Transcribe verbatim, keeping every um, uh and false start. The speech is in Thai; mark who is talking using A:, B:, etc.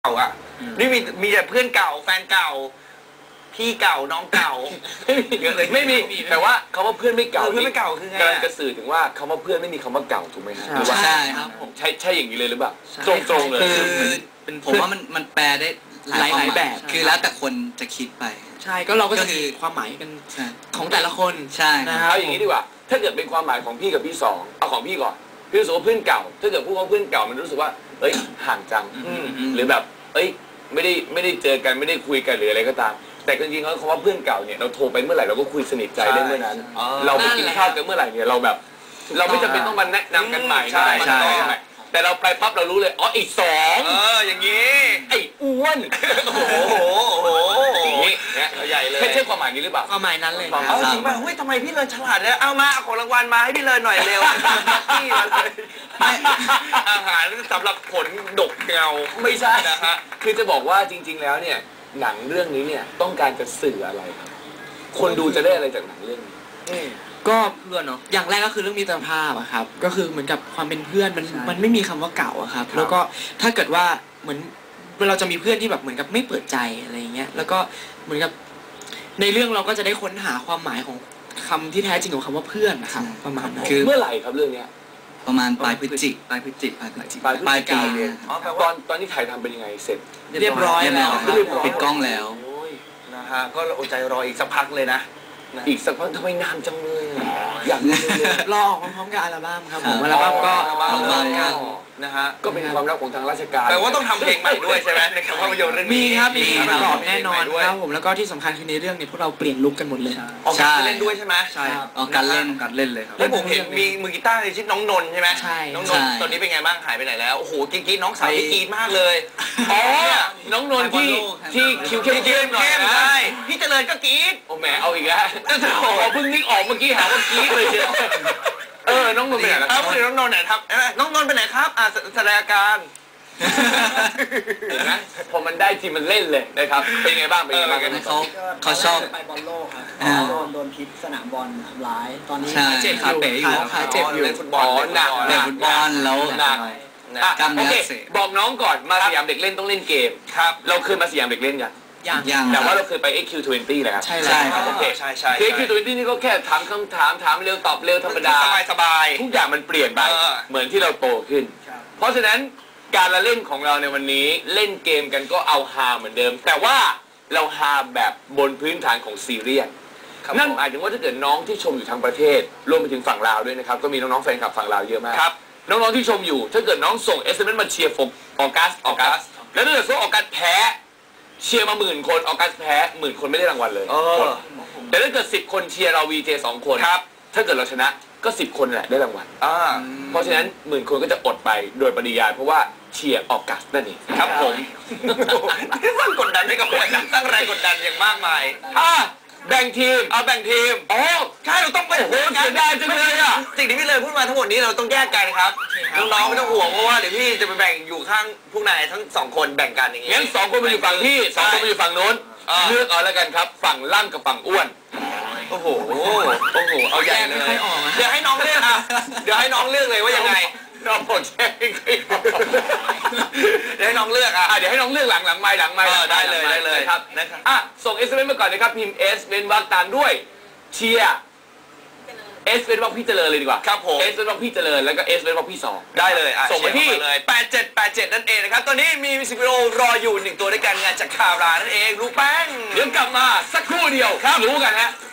A: เก่าอ่ะนี่มีมีแต่เพื่อนเก่าแฟนเก่าพี่เก่าน้องเก่า
B: ไม่มีแต่ว่าคำว่าเพื่อนไม่เก่า
A: เพื่อนไม่เก่าคือไง
B: กำลังจะสื่อถึงว่าคำว่าเพื่อนไม่มีคำว่าเก่าถูกไหมครับ
C: ใช่ครับผม
B: ใช่ใช่อย่างนี้เลยหรือเปล่าตรงตรงเลย
C: คือผมว่ามันมันแปลได้หลายหลายแบบคือแล้วแต่คนจะคิดไป
D: ใช่ก็เราก็จะมีความหมายกันของแต่ละคน
C: ใช่
D: นะครับ
B: เอาอย่างนี้ดีกว่าถ้าเกิดเป็นความหมายของพี่กับพี่สองเอาของพี่ก่อนพี่รู้สึกว่าเพื่อนเก่าถ้าเกิดพูดว่าเพื่อนเก่ามันรู้สึกว่าเอ้ยห่างจังหรือแบบเอ้ยไม่ได้ไม่ได้เจอกันไม่ได้คุยกันหรืออะไรก็ตามแต่จริงๆแล้วคำว่าเพื่อนเก่าเนี่ยเราโทรไปเมื่อไหร่เราก็คุยสนิทใจได้เมื่อนั้นเราไปกินข้าวกันเมื่อไหร่เนี่ยเราแบบเราไม่จำเป็นต้องมาแนะนำกันใหม่ใช่ใช่แต่เราไปปั๊บเรารู้เลยอ๋ออีกสอง
A: เอออย่างนี้
B: ไอ้อ้วน
A: โอ้โหโอ้โหอย่างนี้เนี่ยใหญ่เลย
B: ใช่ความหมายนี้หรือเปล่า
D: ความหมายนั้นเลย
A: เอาจริงป่ะเฮ้ยทำไมพี่เลินฉลาดเนี่ยเอามาเอาของรางวัลมาให้พี่เลินหน่อยเร็วพี่มาเลยอาหารสำหรับผลดกเงา
B: ไม่ใช่นะฮะคือจะบอกว่าจริงๆแล้วเนี่ยหนังเรื่องนี้เนี่ยต้องการจะสื่ออะไรครับคนดูจะได้อะไรจากหนังเรื่องนี้
D: ก็เพื่อนเนาะอย่างแรกก็คือเรื่องมิตรภาพอะครับก็คือเหมือนกับความเป็นเพื่อนมันมันไม่มีคำว่าเก่าอะครับแล้วก็ถ้าเกิดว่าเหมือนเราจะมีเพื่อนที่แบบเหมือนกับไม่เปิดใจอะไรอย่างเงี้ยแล้วก็เหมือนกับในเรื่องเราก็จะได้ค้นหาความหมายของคำที่แท้จริงของคำว่าเพื่อนนะครับประมาณนั้น
B: คือเมื่อไหร่ครับเรื่องนี้
C: ประมาณปลายพฤศจิกปลายพฤศจิกปลายพฤศจิก
B: ปลายปีตอนตอนที่ถ่ายทำเป็นยังไงเสร็จ
D: เรียบร้อยแล้ว
C: ปิดกล้องแล้ว
A: นะฮะก็อดใจรออีกสักพักเลยนะ
B: อีกสักพักทำไมนานจังเลยอยาก
D: รอออกพร้อมๆกับอัลบั้มครับผมอัลบั้มก็
A: พร้อมกันนะฮะ
B: ก็เป็นความรักของทางราชการ
A: แต่ว่าต้องทำเพลงใหม่ด้วยใช่ไหมในคำภาพยนตร์เรื่อง
D: นี้มีครับมีประกอบแน่นอนครับผมแล้วก็ที่สำคัญคือในเรื่องนี้พวกเราเปลี่ยนลุคกันหมดเลย
A: ออกการเล่นด้วยใช่ไหม
C: ใช่ออกการเล่นการเล่นเลยครับ
A: แล้วผมเห็นมีมือกีตาร์ในชื่อน้องนนท์ใช่ไหม
D: ใช่
A: น้องนนท์ตอนนี้เป็นไงบ้างหายไปไหนแล้วโอ้โหกรี๊ดน้องสาวกรี๊ดมากเลย
B: อ๋อน้องนนท์ที่ที่คิวเข้มเข้มหน่อย
A: ใช่พี่เจริญก็กรี๊ด
B: โอ้แหมเอาอีกแล้วโอ้เพิ่งนึกออกเมื่อกี้หาว่ากรี๊ดเลยเชียวเออน้องนนท์ไปไหนครับ
A: น้องนนท์ไหนครับน้องนนท์ไปไหนครับอ่าแสดงอาการ
B: นะพอมันได้ทีมันเล่นเลยนะครับเป็นไงบ้างเป็นไงบ้างกัน
C: เขาเขาชอบ
E: ไปบอลโลกครับโดนโดนพิษสนามบอลทำร้ายตอนนี้
C: เจ็บขาเป๋อยู่
D: ขาเจ็บอยู่
A: เล่นฟุตบอล
B: หนัก
C: เล่นฟุตบอลแล้ว
B: หนัก
C: กล้ามเนื้อ
B: อักเสบบอกน้องก่อนมาสยามเด็กเล่นต้องเล่นเกม
A: ครับ
B: เราเคยมาสยามเด็กเล่นยัง
D: ยัง
B: แต่ว่าเราเคยไป เอ็กซ์ คิว ยี่สิบเลยครับ
D: ใช่ใช่
B: โอเค
A: ใช่ใช่
B: เอ็กซ์ คิว ยี่สิบนี่ก็แค่ถามคำถามถามเร็วตอบเร็วธรรมดา
A: สบายสบาย
B: ทุกอย่างมันเปลี่ยนไปเหมือนที่เราโตขึ้นเพราะฉะนั้นการละเล่นของเราในวันนี้เล่นเกมกันก็เอาฮาเหมือนเดิมแต่ว่าเราฮาแบบบนพื้นฐานของซีเรียสนั่นหมายถึงว่าถ้าเกิดน้องที่ชมอยู่ทางประเทศรวมไปถึงฝั่งลาวด้วยนะครับก็มีน้องๆแฟนคลับฝั่งลาวเยอะมากน้องๆที่ชมอยู่ถ้าเกิดน้องส่ง เอส เอ็ม เอส มาเชียร์ออกัสออกัสแล้วถ้าเกิดส่งออกัสแพ้เชียร์มาหมื่นคนออกัสแพ้หมื่นคนไม่ได้รางวัลเลยแต่ถ้าเกิดสิบคนเชียร์เราวีเจสองคนถ้าเกิดเราชนะก็สิบคนแหละได้รางวัลเพราะฉะนั้นหมื่นคนก็จะอดไปโดยปริยายเพราะว่าเชียร์ออกัสนั่นเอง
A: ครับผมสร้างกดดันให้กับคนสร้างแรงกดดันอย่างมากมาย
B: อ่ะแบ่งทีม
A: เอาแบ่งทีม
B: อ๋อ
A: ใช่เราต้องไป
B: โอ้โหเสียดายจังเลยอ่ะ
A: สิ่งที่พี่เลยพูดมาทั้งหมดนี้เราต้องแยกกันครับน้องๆไม่ต้องห่วงเพราะว่าเดี๋ยวพี่จะไปแบ่งอยู่ข้างพวกนายทั้งสองคนแบ่งกันอย่างงี้
B: งั้นสองคนมาอยู่ฝั่งพี่สองคนมาอยู่ฝั่งโน้นเลือกเอาแล้วกันครับฝั่งล่ำกับฝั่งอ้วน
A: โอ้โหโอ้โหเอาใหญ่เลยเดี๋ยวให้น้องเลือกอ่ะเดี๋ยวให้น้องเลือกเลยว่ายังไง
B: น้องบอกแช่
A: เดี๋ยวให้น้องเลือกอ่ะ
B: เดี๋ยวให้น้องเลือกหลังหลังไม้หลังไม้
A: ได้เลยได้เลย
B: ครับนะครับอ่ะส่ง เอส เอ็ม เอส มาก่อนนะครับพิมพ์ S เว้นวรรคตามด้วยเชียร์ S เว้นวรรคพี่เจริญเลยดีกว่า
A: ครับผม
B: S เว้นวรรคพี่เจริญแล้วก็ S เว้นวรรคพี่สอง
A: ได้เลยอ่ะ
B: ส่งมาที่
A: เลยแปดเจ็ดแปดเจ็ดนั่นเองนะครับตอนนี้มีมิวสิกวิดีโอรออยู่หนึ่งตัวด้วยกันงานจากคารานั่นเองรู้แป้ง
B: เดี๋ยวกลับมาสักครู่เดียวรู้กันฮะ